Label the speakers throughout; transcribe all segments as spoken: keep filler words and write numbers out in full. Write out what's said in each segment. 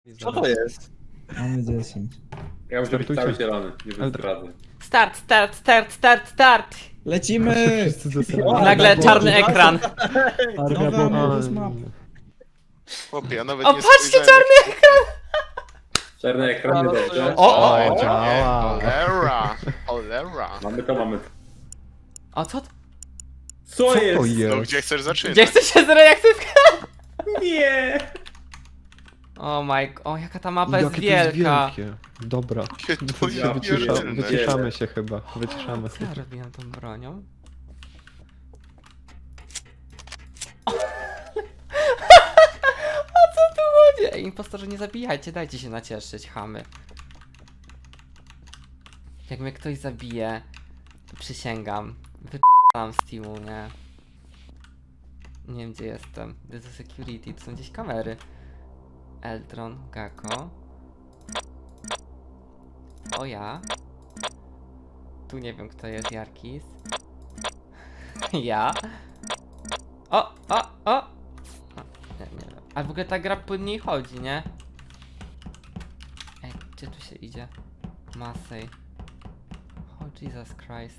Speaker 1: Co to jest?
Speaker 2: Mamy dziesięć.
Speaker 3: Ja muszę być cały zielony, nie zdradzę.
Speaker 4: Start, start, start, start, start!
Speaker 2: Lecimy!
Speaker 5: Wszyscy zesrali.
Speaker 2: O,
Speaker 4: Nagle
Speaker 2: Boże,
Speaker 4: czarny
Speaker 2: Boże.
Speaker 4: ekran.
Speaker 2: Nowy Amorous Map.
Speaker 6: Chłopie, ja nawet
Speaker 4: O,
Speaker 6: nie
Speaker 4: patrzcie,
Speaker 6: spojrzałem,
Speaker 4: czarny ekran!
Speaker 3: Czarny ekran, nie dobrze.
Speaker 4: O, o,
Speaker 6: jak-
Speaker 4: o!
Speaker 5: działa.
Speaker 6: Cholera, cholera.
Speaker 3: Mamy to, mamy to.
Speaker 4: O, co? to?
Speaker 3: Co
Speaker 5: Co to
Speaker 3: jest?
Speaker 6: No
Speaker 5: jest?
Speaker 6: gdzie chcesz zaczynać?
Speaker 4: Gdzie chce się zreaktywka?
Speaker 3: Nie!
Speaker 4: O my, o jaka ta mapa jest
Speaker 5: Jakie to jest
Speaker 4: wielka.
Speaker 5: wielkie. Dobra.
Speaker 6: To
Speaker 3: Ja
Speaker 6: ja
Speaker 5: Wycisza,
Speaker 6: pierdzielę.
Speaker 5: wyciszamy się chyba. Wyciszamy
Speaker 4: Co
Speaker 5: się.
Speaker 4: ja robiłem tą bronią? O co tu chodzi? Ej, impostorze, nie zabijajcie, dajcie się nacieszyć, chamy. Jak mnie ktoś zabije, to przysięgam, wyp***am z teamu, nie? Nie wiem gdzie jestem. To jest security, to są gdzieś kamery. Eldron, Gako. O ja. Tu nie wiem kto jest, Jarkis. Ja. O, o, o! o nie, nie wiem. A w ogóle ta gra płynniej chodzi, nie? Ej, gdzie tu się idzie? Masej. Oh Jesus Christ.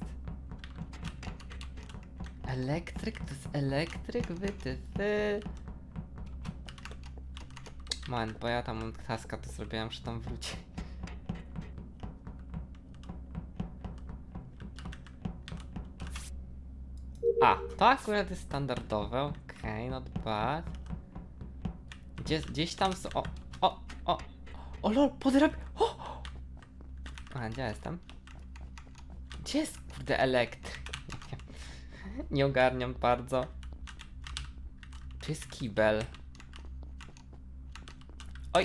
Speaker 4: Elektryk? To jest elektryk? Wy, ty, ty. Man, bo ja tam mam taska, to zrobiłem, że tam wróci. A, to akurat jest standardowe, okej, okay, not bad. Gdzie, gdzieś tam są, o, o, o, o lol, podrab... O! A, gdzie ja jestem? Gdzie jest, kurde, elektryk? Nie ogarniam bardzo. Tu jest kibel. Oj!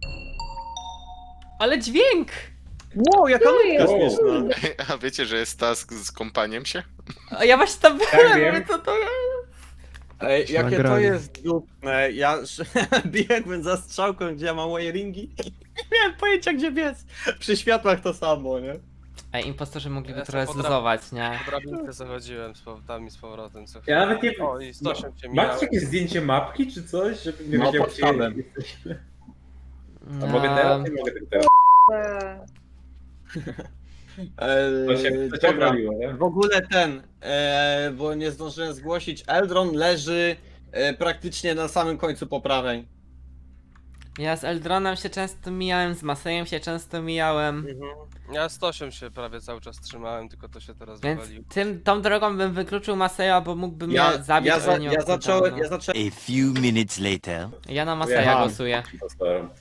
Speaker 4: Ale dźwięk!
Speaker 1: Wow, jaka nubka
Speaker 3: Wow.
Speaker 1: śmieszna.
Speaker 6: A wiecie, że jest task z kompaniem się?
Speaker 4: A ja właśnie tam
Speaker 3: Tak,
Speaker 4: byłem,
Speaker 3: wiem.
Speaker 4: mówię, co to jest?
Speaker 1: Ej, jakie to
Speaker 5: Nagranie.
Speaker 1: jest dupne. Ja biegłem za strzałką, gdzie ja mam wiringi. Nie miałem pojęcia, gdzie biec. Przy światłach to samo, nie?
Speaker 4: Ej, impostorzy mogliby
Speaker 7: Ja
Speaker 4: trochę
Speaker 7: jestem podra-
Speaker 4: zluzować, nie?
Speaker 7: Po drabince zachodziłem z powrotami z powrotem co
Speaker 3: Ja
Speaker 7: chwilę.
Speaker 3: nawet nie...
Speaker 7: O, i sto osiem się mijało.
Speaker 3: Macie jakieś zdjęcie mapki czy coś, żebym nie
Speaker 1: No,
Speaker 3: wiedział
Speaker 1: pod
Speaker 3: gdzie
Speaker 1: tabem.
Speaker 3: jesteśmy? A
Speaker 4: No,
Speaker 3: mogę teraz? Nie mogę tego teraz. To się,
Speaker 1: Eee,
Speaker 3: to się
Speaker 1: dobra.
Speaker 3: broniło, nie?
Speaker 1: W ogóle ten, e, bo nie zdążyłem zgłosić, Eldron leży e, praktycznie na samym końcu po prawej.
Speaker 4: Ja z Eldronem się często mijałem, z Masejem się często mijałem.
Speaker 1: Mhm.
Speaker 7: Ja sto osiem się prawie cały czas trzymałem, tylko to się teraz
Speaker 4: Więc
Speaker 7: wywaliło.
Speaker 4: tym, tą drogą bym wykluczył Maseja, bo mógłby mnie
Speaker 1: Ja,
Speaker 4: zabić,
Speaker 1: ja,
Speaker 4: ale
Speaker 1: za,
Speaker 4: nie
Speaker 1: ja,
Speaker 4: mam
Speaker 1: zacząłem,
Speaker 4: cooldownu.
Speaker 1: ja zacząłem,
Speaker 8: A few minutes later.
Speaker 4: Ja na Maseja
Speaker 3: Aha.
Speaker 4: głosuję.
Speaker 3: Impostorem.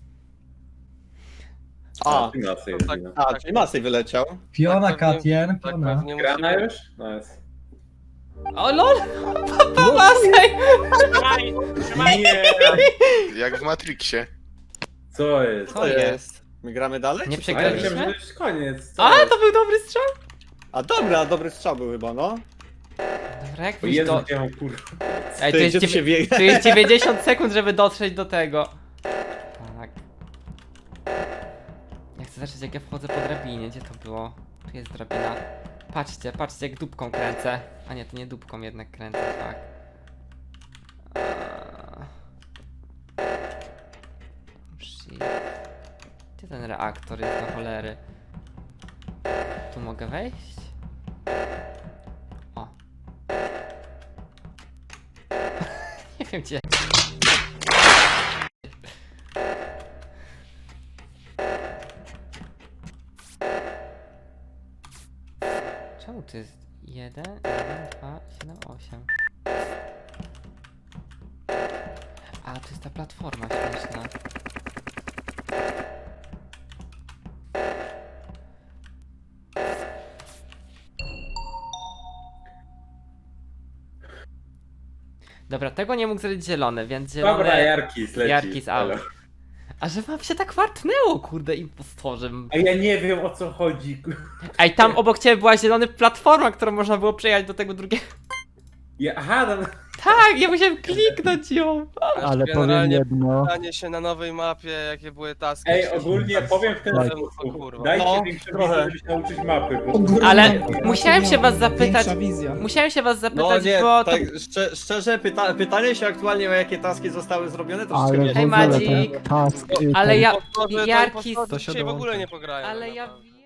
Speaker 1: a,
Speaker 3: Ty na co
Speaker 7: No
Speaker 3: jest
Speaker 7: tak,
Speaker 3: wina.
Speaker 1: a,
Speaker 7: tak,
Speaker 1: czyli Masej wyleciał.
Speaker 2: Fiona,
Speaker 7: Tak pewnie-
Speaker 2: Katien,
Speaker 7: tak
Speaker 2: Fiona.
Speaker 7: pewnie
Speaker 3: Grana
Speaker 7: musimy...
Speaker 3: już? Nice.
Speaker 4: O lol! Papa Masej!
Speaker 3: Nie!
Speaker 6: Jak w Matrixie.
Speaker 3: Co jest?
Speaker 4: Co
Speaker 1: To
Speaker 4: jest?
Speaker 1: jest. My gramy dalej?
Speaker 4: Nie
Speaker 1: czy-
Speaker 3: A ja myślałem, że
Speaker 4: przegraliśmy?
Speaker 3: to już koniec. Co
Speaker 4: A,
Speaker 3: jest?
Speaker 4: to był dobry strzał!
Speaker 1: A dobra, dobry strzał był chyba, no.
Speaker 4: Dobra, jak
Speaker 3: O
Speaker 4: wyjść
Speaker 3: Jezu,
Speaker 4: do...
Speaker 3: gdzie mam kurwa.
Speaker 4: Ej,
Speaker 1: Ty,
Speaker 4: to jest,
Speaker 1: gdzie tu
Speaker 4: dziewię-
Speaker 1: się biega?
Speaker 4: to jest dziewięćdziesiąt sekund, żeby dotrzeć do tego. Tak. Ja chcę zobaczyć jak ja wchodzę po drabinie, gdzie to było? Tu jest drabina. Patrzcie, patrzcie jak dupką kręcę. A nie, to nie dupką jednak kręcę, tak. Eee. Shit. Gdzie ten reaktor jest do cholery? Tu mogę wejść? O. Nie wiem gdzie. Czemu to jest jeden, jeden, dwa, siedem, osiem? A, to jest ta platforma śmieszna. Dobra, tego nie mógł zrobić zielony, więc zielony...
Speaker 3: Dobra, Jarkis leci.
Speaker 4: Jarkis out.
Speaker 3: Elo.
Speaker 4: A że wam się tak wartnęło, kurde, impostorzem.
Speaker 3: A ja nie wiem o co chodzi.
Speaker 4: Ej, tam obok ciebie była zielona platforma, którą można było przejechać do tego drugiego.
Speaker 3: Ja, aha, tam...
Speaker 4: Tak, ja musiałem kliknąć ją.
Speaker 9: Ale powiem
Speaker 7: Generalnie
Speaker 9: jedno.
Speaker 7: Stanie się na nowej mapie, jakie były taski.
Speaker 3: Ej,
Speaker 7: się-
Speaker 3: ogólnie powiem w ten
Speaker 9: Tak.
Speaker 3: sposób.
Speaker 7: Kurwa.
Speaker 3: Dajcie
Speaker 1: No,
Speaker 3: większą
Speaker 1: trochę.
Speaker 3: wiedzę, żeby się nauczyć mapy, bo...
Speaker 2: Ogromna
Speaker 4: Ale
Speaker 2: mapa,
Speaker 4: musiałem się was zapytać-
Speaker 2: Większa wizja.
Speaker 4: Musiałem się was
Speaker 1: No
Speaker 4: zapytać,
Speaker 1: nie,
Speaker 4: bo to...
Speaker 1: tak szczerze, szczerze pyta pytanie się aktualnie o jakie taski zostały zrobione, to wszystko
Speaker 9: Ale
Speaker 1: nie
Speaker 9: w
Speaker 4: Hej,
Speaker 9: ogóle
Speaker 4: Magic.
Speaker 9: ten task... y,
Speaker 4: Ale
Speaker 9: ten-
Speaker 4: ja...
Speaker 7: Impostorzy, to
Speaker 4: Jarki...
Speaker 7: impostorzy
Speaker 5: To się
Speaker 7: dzisiaj w ogóle
Speaker 5: dołączy.
Speaker 7: nie pograją.
Speaker 4: Ale
Speaker 7: tak
Speaker 4: ja
Speaker 7: naprawdę.